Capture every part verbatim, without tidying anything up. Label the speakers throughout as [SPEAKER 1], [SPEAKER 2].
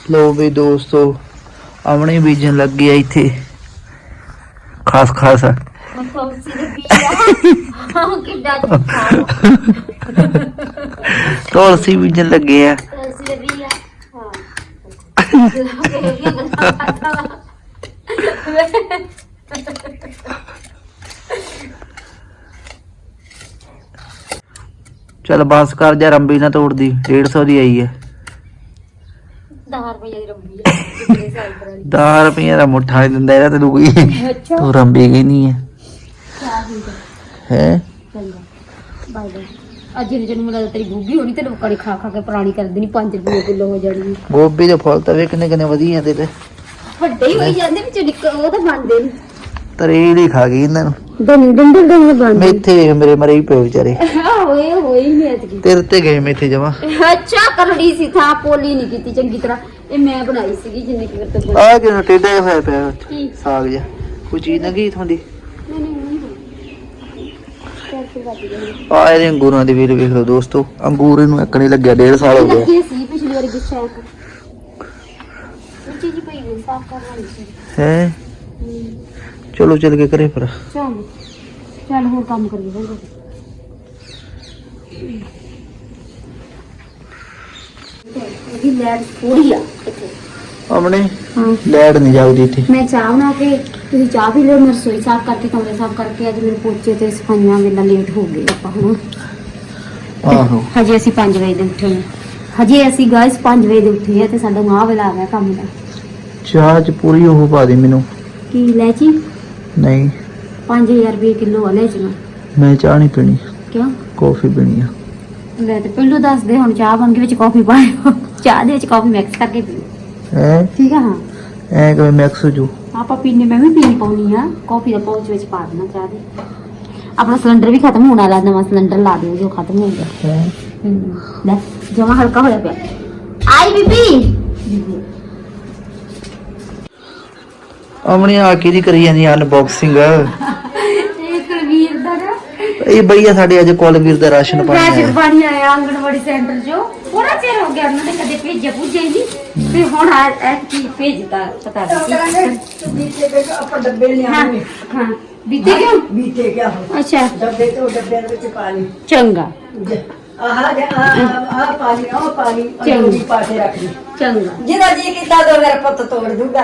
[SPEAKER 1] लो भी दोस्तों अमने बीजन लग गया इथे खास खास तुलसी बीजन लगे है चल बस कर जा रंबी ना तोड़ दी डेढ़ सौ दी आई है दस रुपये का मुठा नहीं दिंदा इहदा तैनूं कोई तू रंबी गई नहीं है हैं
[SPEAKER 2] ਅੱਜ ਜਿਹੜੇ ਨੂੰ ਮੈਨੂੰ ਤੇਰੀ ਗੋਭੀ ਹੋਣੀ ਤੇ ਲੋਕਾਂ ਨੇ ਖਾ ਖਾ ਕੇ ਪੁਰਾਣੀ ਕਰ ਦੇਣੀ ਪੰਜ ਰੁਪਏ ਕਿਲੋ ਹੋ ਜਾਣੀ
[SPEAKER 1] ਗੋਭੀ ਦੇ ਫੁੱਲ ਤਾਂ ਵੇਖਣੇ ਕਿੰਨੇ ਵਧੀਆ ਤੇ ਤੇ
[SPEAKER 2] ਵੱਡੇ ਹੀ ਹੋਈ ਜਾਂਦੇ ਵਿੱਚ ਨਿੱਕ ਉਹ ਤਾਂ ਬਣਦੇ ਨਹੀਂ
[SPEAKER 1] ਤਰੇਲ ਹੀ ਖਾ ਗਈ ਇਹਨਾਂ ਨੂੰ
[SPEAKER 2] ਦੰਦ ਦੰਦ ਦੰਦ ਬਣਦੇ
[SPEAKER 1] ਮੇਥੇ ਵੇਖ ਮੇਰੇ ਮਰੇ ਹੀ ਪਏ ਵਿਚਾਰੇ
[SPEAKER 2] ਹੋਏ ਹੋਏ ਹੀ ਨਹੀਂ ਅੱਜ
[SPEAKER 1] ਤੇਰੇ ਤੇ ਗਏ ਮੇਥੇ ਜਮਾ
[SPEAKER 2] ਅੱਛਾ ਕਰੜੀ ਸੀ ਥਾਂ ਪੋਲੀ ਨਹੀਂ ਕੀਤੀ ਚੰਗੀ ਤਰ੍ਹਾਂ ਇਹ ਮੈਂ ਬਣਾਈ ਸੀਗੀ ਜਿੰਨੇ ਕਿ ਵਰਤ ਬਣਾ
[SPEAKER 1] ਆ ਕਿਉਂ ਟੇਡਾ ਹੋਇਆ ਪਿਆ ਸਾਗ ਜਿਹਾ ਕੋਈ ਚੀਜ਼ ਨਾ ਗਈ ਥੋਂਦੀ
[SPEAKER 2] ਨਹੀਂ ਨਹੀਂ
[SPEAKER 1] ਆ ਇਹਦੇ ਅੰਗੂਰਾਂ ਦੀ ਵੀਰ ਵੇਖ ਲਓ ਦੋਸਤੋ ਅੰਗੂਰ ਇਹਨੂੰ ਇੱਕ ਨਹੀਂ ਲੱਗਿਆ ਡੇਢ ਸਾਲ ਹੋ ਗਿਆ
[SPEAKER 2] ਸੀ ਪਿਛਲੀ ਵਾਰੀ ਗੁੱਸਾ ਇੱਕ ਚੀਜ਼ ਪਈ ਹੋਈ ਸਾਫ਼ ਕਰਵਾਉਣੀ ਸੀ
[SPEAKER 1] ਹੈ ਚਲੋ ਚੱਲ ਕੇ ਕਰੇ ਫਿਰ
[SPEAKER 2] ਚੱਲ ਚੱਲ ਹੋਰ ਕੰਮ ਕਰੀਏ ਫਿਰ ਇਹ ਲੈਟ ਥੋੜੀ ਆ ਇੱਥੇ
[SPEAKER 1] ਆਪਣੇ
[SPEAKER 2] ਹਾਂ
[SPEAKER 1] ਲੈਟ ਨਹੀਂ ਜਾਊਦੀ ਇੱਥੇ
[SPEAKER 2] ਮੈਂ ਚਾਹ ਬਣਾ ਕੇ ਤੁਸੀਂ ਚਾਹ ਪੀ ਲਿਓ ਮੈਂ ਰਸੋਈ ਸਾਫ਼ ਕਰਕੇ ਕਮਰੇ ਸਾਫ਼ ਕਰਕੇ ਅੱਜ ਮੇਰੇ ਪੋਚੇ ਤੇ ਸਫਾਈਆਂ ਵੇਲਾ ਲੇਟ ਹੋ ਗਏ ਆਪਾਂ ਹੁਣ
[SPEAKER 1] ਆਹੋ
[SPEAKER 2] ਹਜੇ ਅਸੀਂ ਪੰਜ ਵਜੇ ਦੇ ਉੱਠੇ ਹਾਂ ਹਜੇ ਅਸੀਂ ਗਾਇਸ ਪੰਜ ਵਜੇ ਦੇ ਉੱਠੇ ਆ ਤੇ ਸਾਡਾ ਮਾਹ ਵੇਲਾ ਆ ਗਿਆ ਕੰਮ ਦਾ
[SPEAKER 1] ਚਾਹ ਚ ਪੂਰੀ ਉਹ ਪਾ ਦੇ ਮੈਨੂੰ
[SPEAKER 2] ਕੀ ਲੈਚੀ
[SPEAKER 1] ਨਹੀਂ
[SPEAKER 2] ਪੰਜ ਹਜ਼ਾਰ ਰੁਪਏ ਕਿਲੋ ਆ ਲੈਚੀਆਂ
[SPEAKER 1] ਮੈਂ ਚਾਹ ਨਹੀਂ ਪੀਣੀ
[SPEAKER 2] ਕਿਉਂ
[SPEAKER 1] ਕੌਫੀ ਪੀਣੀ ਆ
[SPEAKER 2] ਲੈ ਤੇ ਪਹਿਲੋਂ ਦੱਸ ਦੇ ਹੁਣ ਚਾਹ ਬਣ ਕੇ ਵਿੱਚ ਕਾਫੀ ਪਾਇਓ ਚਾਹ ਦੇ ਵਿੱਚ ਕਾਫੀ ਮਿਕਸ ਕਰਕੇ ਪੀਓ
[SPEAKER 1] ਹੈ
[SPEAKER 2] ਠੀਕ ਆ ਹਾਂ
[SPEAKER 1] ਐ ਕਿਵੇਂ ਮਿਕਸ ਹੋ ਜੂ
[SPEAKER 2] ਆਪਾਂ ਪੀਣੇ ਮੈਂ ਵੀ ਪੀਣੀ ਪਾਉਣੀ ਆ ਕਾਫੀ ਦਾ ਪਾਉਚ ਵਿੱਚ ਪਾ ਦੇਣਾ ਚਾਹ ਦੇ ਆਪਣਾ ਸਿਲੰਡਰ ਵੀ ਖਤਮ ਹੋਣ ਵਾਲਾ ਨਵਾਂ ਸਿਲੰਡਰ ਲਾ ਦਿਓ ਜੋ ਖਤਮ ਹੋ ਗਿਆ
[SPEAKER 1] ਹੈ
[SPEAKER 2] ਲੈ ਜਮਾ ਹਲਕਾ ਹੋਇਆ ਪਿਆ ਆਈ ਬੀਬੀ
[SPEAKER 1] ਅਮਣੀ ਆ ਕੀ ਦੀ ਕਰੀ ਜਾਂਦੀ ਅਨਬਾਕਸਿੰਗ
[SPEAKER 2] ਇਹ ਕੁਲਵੀਰ ਦਾ ਨਾ
[SPEAKER 1] ਇਹ ਬਈਆ ਸਾਡੇ ਅੱਜ ਕੁਲਵੀਰ ਦਾ ਰਾਸ਼ਨ ਪਾਣੀ
[SPEAKER 2] ਰਾਸ਼ਨ
[SPEAKER 1] ਆਇਆ
[SPEAKER 2] ਪਾਣੀ ਆਇਆ ਆਂਗਣਵਾੜੀ ਸੈਂਟਰ ਚੋਂ ਥੋੜਾ ਚਿਰ ਹੋ ਗਿਆ ਉਹਨਾਂ ਨੇ ਕਦੇ ਭੇਜਿਆ ਭੁੱਜਿਆ ਨਹੀਂ ਤੇ ਹੁਣ ਆ ਇਹ ਕੀ ਭੇਜਦਾ ਪਤਾ ਨਹੀਂ
[SPEAKER 3] बीते के अपन डब्बे ले
[SPEAKER 2] ਹਾਂ
[SPEAKER 3] आवे
[SPEAKER 2] ਹਾਂ ਬੀਤੇ ਕਿਉਂ
[SPEAKER 3] बीते क्या हो
[SPEAKER 2] ਅੱਛਾ
[SPEAKER 3] डब्बे तो डब्बे ਵਿੱਚ ਪਾਣੀ
[SPEAKER 2] ਚੰਗਾ
[SPEAKER 3] ਆਹ ਆ ਆ ਪਾਣੀ ਉਹ ਪਾਣੀ ਉਹ ਵੀ ਪਾ ਕੇ ਰੱਖ ਲਈ
[SPEAKER 2] ਚੰਗਾ
[SPEAKER 3] ਜਿਹਦਾ ਜੀ ਕੀਤਾ ਦੋ ਮੇਰਾ ਪੁੱਤ ਤੋੜ ਦੂਗਾ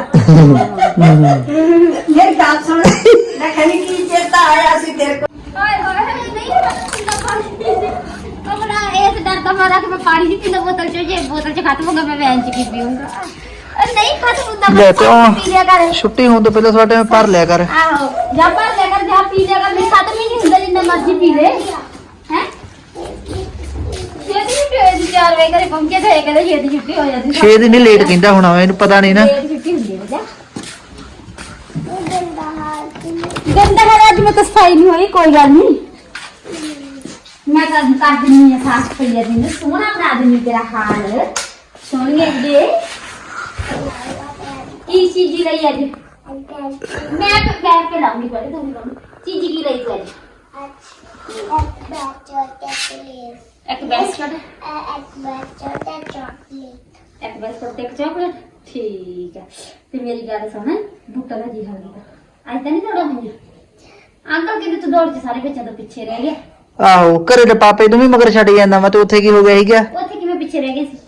[SPEAKER 3] ਮੇਰੀ ਗੱਲ ਸੁਣ ਮੈਂ ਕਹਿੰਦੀ ਕੀ ਚੇਤਾ ਆਇਆ ਸੀ ਤੇਰੇ ਕੋਲ
[SPEAKER 2] ਹਾਏ ਹਾਏ ਨਹੀਂ ਪੀਂਦਾ ਪਾਣੀ ਆਪਣਾ ਇਸ ਡਰ ਦਾ ਮਾਰਾ ਕਿ ਮੈਂ ਪਾਣੀ ਨਹੀਂ ਪੀਂਦਾ ਬੋਤਲ ਚ ਜੇ ਬੋਤਲ ਚ ਖਤਮ ਹੋ ਗਿਆ ਮੈਂ ਵੈਨ ਚ ਕੀ ਪੀਊਂਗਾ ਨਹੀਂ ਖਤਮ ਹੁੰਦਾ
[SPEAKER 1] ਲੈ ਤੇ
[SPEAKER 2] ਪੀ ਲਿਆ ਕਰ
[SPEAKER 1] ਛੁੱਟੀ ਹੋਣ ਤੋਂ ਪਹਿਲਾਂ ਸਾਡੇ ਭਰ ਲਿਆ ਕਰ
[SPEAKER 2] ਆਹੋ ਜਾਂ ਭਰ ਲਿਆ ਕਰ ਜਾਂ ਪੀ ਲਿਆ ਕਰ ਨਹੀਂ ਖਤਮ ਹੀ ਨਹੀਂ ਹੁੰਦਾ ਜਿੰਨਾ ਮਰਜ਼ੀ ਪੀ ਲੈ ਹੈ ਛੇਤੀ ਛੁੱਟੀ ਹੋਈ ਸੀ ਚਾਰ ਵਜੇ ਘਰੇ ਪਹੁੰਚੇ ਤੇ ਕਹਿੰਦੇ ਛੇਤੀ ਛੁੱਟੀ ਹੋ ਜਾਂਦੀ
[SPEAKER 1] ਛੇ ਦਿਨ ਹੀ ਲੇਟ ਕਹਿੰਦਾ ਹੋਣਾ ਇਹਨੂੰ ਪਤਾ ਨਹੀਂ ਨਾ
[SPEAKER 2] ਲੇਟ ਛੁੱਟੀ ਹੁੰਦੀ ਹੈ ਜਾ ਗੰਦਾ ਹੈ ਅੱਜ ਮੈਂ ਤਾਂ ਸਫਾਈ ਨਹੀਂ ਹੋਈ ਕੋਈ ਗੱਲ ਨਹੀਂ ਮੈਂ ਕਰ ਕਰ ਦਿੰਨੀ ਆ ਸਾਫ ਪਈਆ ਦਿਨ ਸੋਹਣਾ ਬਣਾ ਦਿੰਨੀ ਤੇਰਾ ਹਾਲ ਸੋਹਣੀਏ ਦੇ ਕੀ ਚੀਜ਼ ਲਈ ਅੱਜ ਮੈਂ ਬੈਠ ਕੇ ਲਾਉਂਗੀ ਬੜੇ ਤੁਹਾਨੂੰ ਲਾਉਂ ਚੀਜ਼ ਕੀ ਲਈ ਤੂੰ ਅੱਜ ਇੱਕ ਬੈਸਕਟ ਇੱਕ ਬੈਸਕਟ ਤੇ ਇੱਕ ਚਾਕਲੇਟ ਠੀਕ ਹੈ ਤੇ ਮੇਰੀ ਗੱਲ ਸੁਣ ਬੁੱਟਾ ਦਾ ਜੀ ਹਾਲ ਕੀਤਾ ਅੱਜ ਤਾਂ ਨਹੀਂ ਦੌੜਾ ਹੋਈਆਂ ਅੰਕਲ ਕਿਤੇ ਤੂੰ ਦੌੜ ਚ ਸਾਰੇ ਬੱਚਿਆਂ ਤੋਂ ਪਿੱਛੇ ਰਹਿ ਗਿਆ
[SPEAKER 1] ਆਹੋ ਘਰੇ ਦੇ ਪਾਪੇ ਨੂੰ ਵੀ ਮਗਰ ਛੱਡ ਜਾਂਦਾ ਵਾ ਤੇ ਉੱਥੇ ਕੀ ਹੋ ਗਿਆ ਸੀਗਾ
[SPEAKER 2] ਉੱਥੇ ਕਿਵੇਂ ਪਿੱਛੇ ਰਹਿ ਗਏ ਸੀ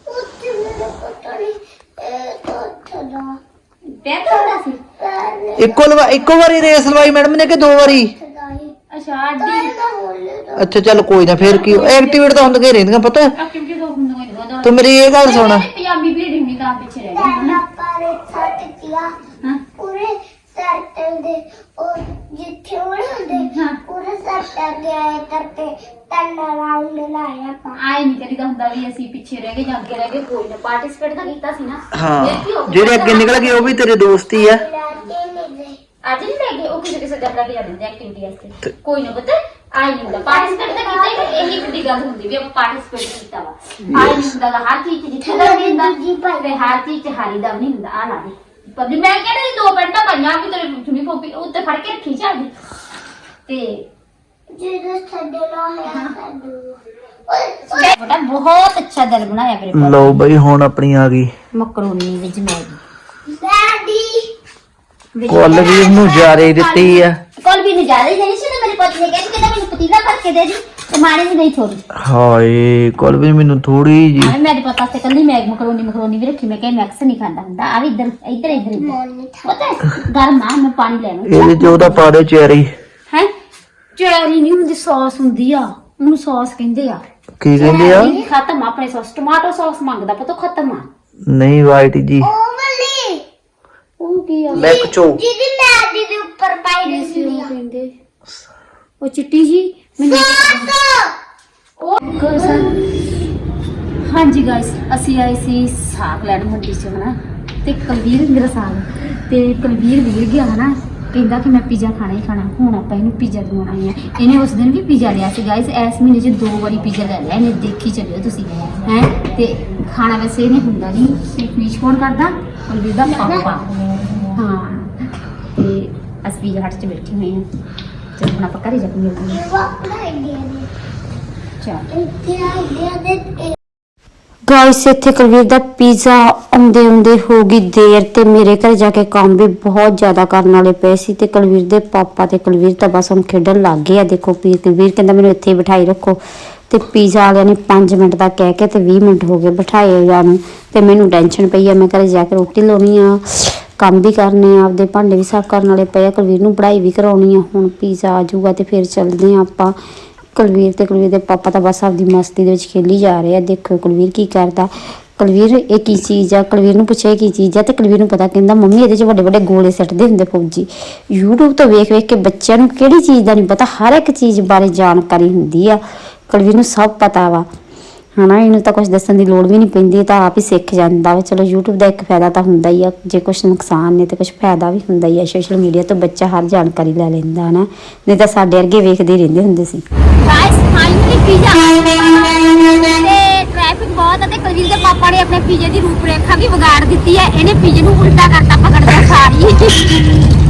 [SPEAKER 2] ਪੈਰ ਤੋੜਦਾ ਸੀ
[SPEAKER 1] ਇੱਕੋ ਲਵਾ ਇੱਕੋ ਵਾਰੀ ਰੇਸ ਲਵਾਈ ਮੈਡਮ ਨੇ ਕਿ ਦੋ ਵਾਰੀ
[SPEAKER 2] ਅੱਛਾ ਅੱਡੀ
[SPEAKER 1] ਅੱਛਾ ਚੱਲ ਕੋਈ ਨਾ ਫੇਰ ਕੀ ਐਕਟੀਵੇਟ ਤਾਂ ਹੁੰਦੀਆਂ ਹੀ ਰਹਿੰਦੀਆਂ ਪਤਾ
[SPEAKER 2] ਐਕਟੀਵਿਟੀ ਤੋਂ ਹੁੰਦਾ ਕੋਈ ਨਹੀਂ
[SPEAKER 1] ਤੂੰ ਮੇਰੀ ਇਹ ਗੱਲ ਸੁਣ
[SPEAKER 2] ਪੰਜਾਬੀ ਭੀੜ ਨਹੀਂ ਤਾਂ ਪਿੱਛੇ ਰਹਿ ਗਏ ਹਾਂ
[SPEAKER 4] पूरे सर्कल दे और जिथे उड़ांदे
[SPEAKER 2] हाँ।
[SPEAKER 4] पूरे सर्कल दे आए करते तन राउंड लाया पा
[SPEAKER 2] ਆਏ ਨਹੀਂ ਕਰੀਦਾ ਹੁੰਦਾ ਵੀ ਅਸੀਂ ਪਿੱਛੇ ਰਹਿ ਗਏ ਜਾਂ ਅੱਗੇ ਰਹਿ ਗਏ ਕੋਈ ਨਾ ਪਾਰਟਿਸਿਪੇਟ ਤਾਂ ਕੀਤਾ ਸੀ ਨਾ
[SPEAKER 1] ਹਾਂ
[SPEAKER 2] ਫਿਰ ਕੀ ਹੋ ਗਿਆ?
[SPEAKER 1] ਜਿਹੜੇ ਅੱਗੇ ਨਿਕਲ ਗਏ ਉਹ ਵੀ ਤੇਰੇ ਦੋਸਤ ਹੀ ਆ
[SPEAKER 4] राते में दे
[SPEAKER 2] ਅੱਜ ਨਹੀਂ ਲੈ ਗਏ ਉਹ ਕਿਸੇ ਕਿਸੇ ਜਗ੍ਹਾ ਤੇ ਜਾਂਦੇ ਐਕਟੀਵਿਟੀ ਵਾਸਤੇ ਕੋਈ ਨਾ ਪਤਾ ਆਈ ਨਹੀਂ ਹੁੰਦਾ ਪਾਰਟਿਸਿਪੇਟ ਤਾਂ ਕੀਤਾ ਹੀ ਇਹੀ ਵੱਡੀ ਗੱਲ ਹੁੰਦੀ ਵੀ ਆਪਾਂ ਪਾਰਟਿਸਿਪੇਟ ਕੀਤਾ ਵਾ ਆਈ ਨਹੀਂ ਹੁੰਦਾ ਗਾ, ਹਰ ਚੀਜ਼ 'ਚ ਜਿੱਥੇ ਦਾ ਵੀ ਹੁੰਦਾ ਤੇ ਹਰ ਚੀਜ਼ 'ਚ ਹਾਰੀ ਦਾ ਵੀ ਨਹੀਂ ਹੁੰਦਾ ਆ ਲਾ ਦੇ ਪਰ ਮੈਂ ਕਹਿੰਦਾ ਦੋ ਪੈਂਟਾਂ ਪਾਈਆਂ ਵੀ ਤੇਰੇ ਚੁਣੀ ਫੋਪੀ ਉੱਤੇ ਫੜ ਕੇ ਰੱਖੀ ਚੱਲਦੀ ਤੇ
[SPEAKER 4] जिधर छड़ना है छड़ो
[SPEAKER 2] ਬੇਟਾ ਬਹੁਤ ਅੱਛਾ ਦਿਲ ਬਣਾਇਆ ਮੇਰੇ
[SPEAKER 1] ਲਓ ਬਈ ਹੁਣ ਆਪਣੀ ਆ ਗਈ
[SPEAKER 2] ਮਕਰੋਨੀ ਵਿੱਚ ਮੈਗੀ
[SPEAKER 4] ਡੈਡੀ
[SPEAKER 1] ਕੁਲਵੀਰ ਨੂੰ ਜਾਰੇ ਦਿੱਤੀ ਆ।
[SPEAKER 2] ਕੋਲ ਵੀ ਨਜ਼ਾਰੇ ਨਹੀਂ ਸੀ ਨਾ ਮੇਰੇ ਪੁੱਤ ਨੇ ਕਹਿੰਦੇ ਕਿ ਮੈਨੂੰ ਪਤੀਲਾ ਭਰ ਕੇ ਦੇ ਦੀ ਤੇ ਮਾੜੇ ਵੀ ਨਹੀਂ ਥੋੜੀ
[SPEAKER 1] ਹਾਏ ਕੁਲਵੀਰ ਮੈਨੂੰ ਥੋੜੀ ਜੀ
[SPEAKER 2] ਹਾਂ ਮੇਰੇ ਪਤਾ ਤੇ ਕੱਲੀ ਮੈਗ ਮਕਰੋਨੀ ਮਕਰੋਨੀ ਵੀ ਰੱਖੀ ਮੈਂ ਕਿਹਾ ਮੈਕਸ ਨਹੀਂ ਖਾਂਦਾ ਹੁੰਦਾ ਆ ਵੀ ਇੱਧਰ ਇੱਧਰ ਇੱਧਰ ਇੱਧਰ ਪਤਾ ਗਰਮ ਆ ਮੈਂ ਪਾਣੀ ਲੈ ਲਵਾਂ
[SPEAKER 1] ਇਹਦੇ ਚ ਉਹਦਾ ਪਾ ਦਿਓ ਚੈਰੀ।
[SPEAKER 2] ਹੈ ਚੈਰੀ ਨਹੀਂ ਹੁੰਦੀ ਸੌਸ ਹੁੰਦੀ ਆ ਉਹਨੂੰ ਸੌਸ ਕਹਿੰਦੇ ਆ
[SPEAKER 1] ਕੀ ਕਹਿੰਦੇ ਆ?
[SPEAKER 2] ਚੈਰੀ ਖਤਮ ਆ ਆਪਣੇ ਸੌਸ ਟਮਾਟੋ ਸੌਸ ਮੰਗਦਾ ਪਤਾ ਖਤਮ ਆ
[SPEAKER 1] ਨਹੀਂ ਵਾਈਟ ਜੀ
[SPEAKER 4] ਉਹ ਵਾਲੀ
[SPEAKER 2] ਉਹ ਕੀ ਆ
[SPEAKER 1] ਲੈਕਚੋ
[SPEAKER 4] ਜਿਹਦੀ ਮੈਦੀ ਦੇ ਉੱਪਰ ਪਾਈ ਰਹੀ ਸੀ
[SPEAKER 2] ਉਹ ਕਹਿੰਦੇ ਉਹ ਚਿੱਟੀ ਜੀ ਮੈਨੂੰ ਉਹ ਕੋਸਾ ਹਾਂਜੀ ਗਾਇਸ ਅਸੀਂ ਆਏ ਸੀ ਸਾਗ ਲੈਣ ਮੰਡੀ ਚ ਹਨਾ ਤੇ ਕੁਲਵੀਰ ਮੇਰਾ ਸਾਗ ਤੇ ਕੁਲਵੀਰ ਵੀਰ ਗਿਆ ਹਨਾ ਕਹਿੰਦਾ ਕਿ ਮੈਂ ਪੀਜ਼ਾ ਖਾਣਾ ਹੀ ਖਾਣਾ ਹੁਣ ਆਪਾਂ ਇਹਨੂੰ ਪੀਜ਼ਾ ਦਿਵਾਉਣਾ ਹੈ ਇਹਨੇ ਉਸ ਦਿਨ ਵੀ ਪੀਜ਼ਾ ਲਿਆ ਸੀ ਗਾਇਸ ਇਸ ਮਹੀਨੇ 'ਚ ਦੋ ਵਾਰੀ ਪੀਜ਼ਾ ਲੈ ਲਿਆ ਇਹਨੇ ਦੇਖੀ ਚੱਲਿਓ ਤੁਸੀਂ ਹੈ ਤੇ ਖਾਣਾ ਵੈਸੇ ਇਹਨੇ ਹੁੰਦਾ ਨਹੀਂ ਤੇ ਪੀਚ ਕੌਣ ਕਰਦਾ ਕੁਲਵੀਰ ਦਾ ਪਾਪਾ ਹਾਂ ਤੇ ਅਸੀਂ ਪੀਜ਼ਾ ਹੱਟ 'ਚ ਬੈਠੇ ਹੋਏ ਹਾਂ ਤੇ ਹੁਣ ਆਪਾਂ ਘਰੇ ਜਾ ਕੇ ਮਿਲਦੇ ਹਾਂ
[SPEAKER 4] ਵਾਪੜਾ ਇੰਡੀਆ ਦੇ
[SPEAKER 2] ਚਲ
[SPEAKER 4] ਇੱਥੇ ਇੰਡੀਆ ਦੇ
[SPEAKER 5] ਗਾਇਸ ਇੱਥੇ ਕੁਲਵੀਰ ਦਾ ਪੀਜ਼ਾ ਆਉਂਦੇ ਆਉਂਦੇ ਹੋ ਗਈ ਦੇਰ ਤੇ ਮੇਰੇ ਘਰ ਜਾ ਕੇ ਕੰਮ ਵੀ ਬਹੁਤ ਜ਼ਿਆਦਾ ਕਰਨ ਵਾਲੇ ਪਏ ਸੀ ਤੇ ਕੁਲਵੀਰ ਦੇ ਪਾਪਾ ਤੇ ਕੁਲਵੀਰ ਤਾਂ ਬਸ ਹੁਣ ਖੇਡਣ ਲੱਗ ਗਏ ਆ। ਦੇਖੋ ਪੀ ਕੁਲਵੀਰ ਕਹਿੰਦਾ ਮੈਨੂੰ ਇੱਥੇ ਹੀ ਬਿਠਾਈ ਰੱਖੋ ਤੇ ਪੀਜ਼ਾ ਵਾਲਿਆਂ ਨੇ ਪੰਜ ਮਿੰਟ ਦਾ ਕਹਿ ਕੇ ਤੇ ਵੀਹ ਮਿੰਟ ਹੋ ਗਏ ਬਿਠਾਏ ਹੋਇਆ ਨੂੰ ਤੇ ਮੈਨੂੰ ਟੈਨਸ਼ਨ ਪਈ ਆ। ਮੈਂ ਘਰੇ ਜਾ ਕੇ ਰੋਟੀ ਲਾਉਣੀ ਆ, ਕੰਮ ਵੀ ਕਰਨੇ ਆ, ਆਪਦੇ ਭਾਂਡੇ ਵੀ ਸਾਫ਼ ਕਰਨ ਵਾਲੇ ਪਏ ਆ, ਕੁਲਵੀਰ ਨੂੰ ਪੜ੍ਹਾਈ ਵੀ ਕਰਾਉਣੀ ਆ। ਹੁਣ ਪੀਜ਼ਾ ਆ ਜਾਊਗਾ ਤੇ ਫਿਰ ਚੱਲਦੇ ਆ ਆਪਾਂ। ਕੁਲਵੀਰ ਤੇ ਕੁਲਵੀਰ ਦੇ ਪਾਪਾ ਤਾਂ ਬਸ ਆਪਦੀ ਮਸਤੀ ਦੇ ਵਿੱਚ ਖੇਲੀ ਜਾ ਰਹੇ ਆ। ਦੇਖੋ ਕੁਲਵੀਰ ਕੀ ਕਰਦਾ। ਕੁਲਵੀਰ ਇਹ ਕੀ ਚੀਜ਼ ਆ? ਕੁਲਵੀਰ ਨੂੰ ਪੁੱਛਿਆ ਕੀ ਚੀਜ਼ ਆ ਤੇ ਕੁਲਵੀਰ ਨੂੰ ਪਤਾ, ਕਹਿੰਦਾ ਮੰਮੀ ਇਹਦੇ 'ਚ ਵੱਡੇ ਵੱਡੇ ਗੋਲੇ ਸਿੱਟਦੇ ਹੁੰਦੇ ਫੌਜੀ। YouTube ਤੋਂ ਵੇਖ ਵੇਖ ਕੇ ਬੱਚਿਆਂ ਨੂੰ ਕਿਹੜੀ ਚੀਜ਼ ਦਾ ਨਹੀਂ ਪਤਾ, ਹਰ ਇੱਕ ਚੀਜ਼ ਬਾਰੇ ਜਾਣਕਾਰੀ ਹੁੰਦੀ ਆ। ਕੁਲਵੀਰ ਨੂੰ ਸਭ ਪਤਾ ਵਾ ਹਨਾ, ਇਹਨੂੰ ਤਾਂ ਕੁਝ ਦੱਸਣ ਦੀ ਲੋੜ ਵੀ ਨਹੀਂ ਪੈਂਦੀ, ਤਾਂ ਆਪ ਹੀ ਸਿੱਖ ਜਾਂਦਾ ਵਾ। ਚਲੋ YouTube ਦਾ ਇੱਕ ਫਾਇਦਾ ਤਾਂ ਹੁੰਦਾ ਹੀ ਆ, ਜੇ ਕੁਝ ਨੁਕਸਾਨ ਨੇ ਤੇ ਕੁਝ ਫਾਇਦਾ ਵੀ ਹੁੰਦਾ ਹੀ ਆ। ਸੋਸ਼ਲ ਮੀਡੀਆ ਤੋਂ ਬੱਚਾ ਹਰ ਜਾਣਕਾਰੀ ਲੈ ਲੈਂਦਾ ਹਨਾ, ਨਹੀਂ ਤਾਂ ਸਾਡੇ ਵਰਗੇ ਵੇਖਦੇ ਰਹਿੰਦੇ ਹੁੰਦੇ ਸੀ।
[SPEAKER 2] ਗਾਇਸ ਫਾਈਨਲੀ ਪੀਜ਼ਾ ਤੇ ਟ੍ਰੈਫਿਕ ਬਹੁਤ ਹੈ ਤੇ ਕੁਲਵੀਰ ਦੇ ਪਾਪਾ ਨੇ ਆਪਣੇ ਪੀਜ਼ੇ ਦੀ ਰੂਪਰੇਖਾ ਵੀ ਵਿਗਾੜ ਦਿੱਤੀ ਹੈ। ਇਹਨੇ ਪੀਜ਼ੇ ਨੂੰ ਉਲਟਾ ਕਰਤਾ ਪਕੜਦਾ ਸਾਰੀ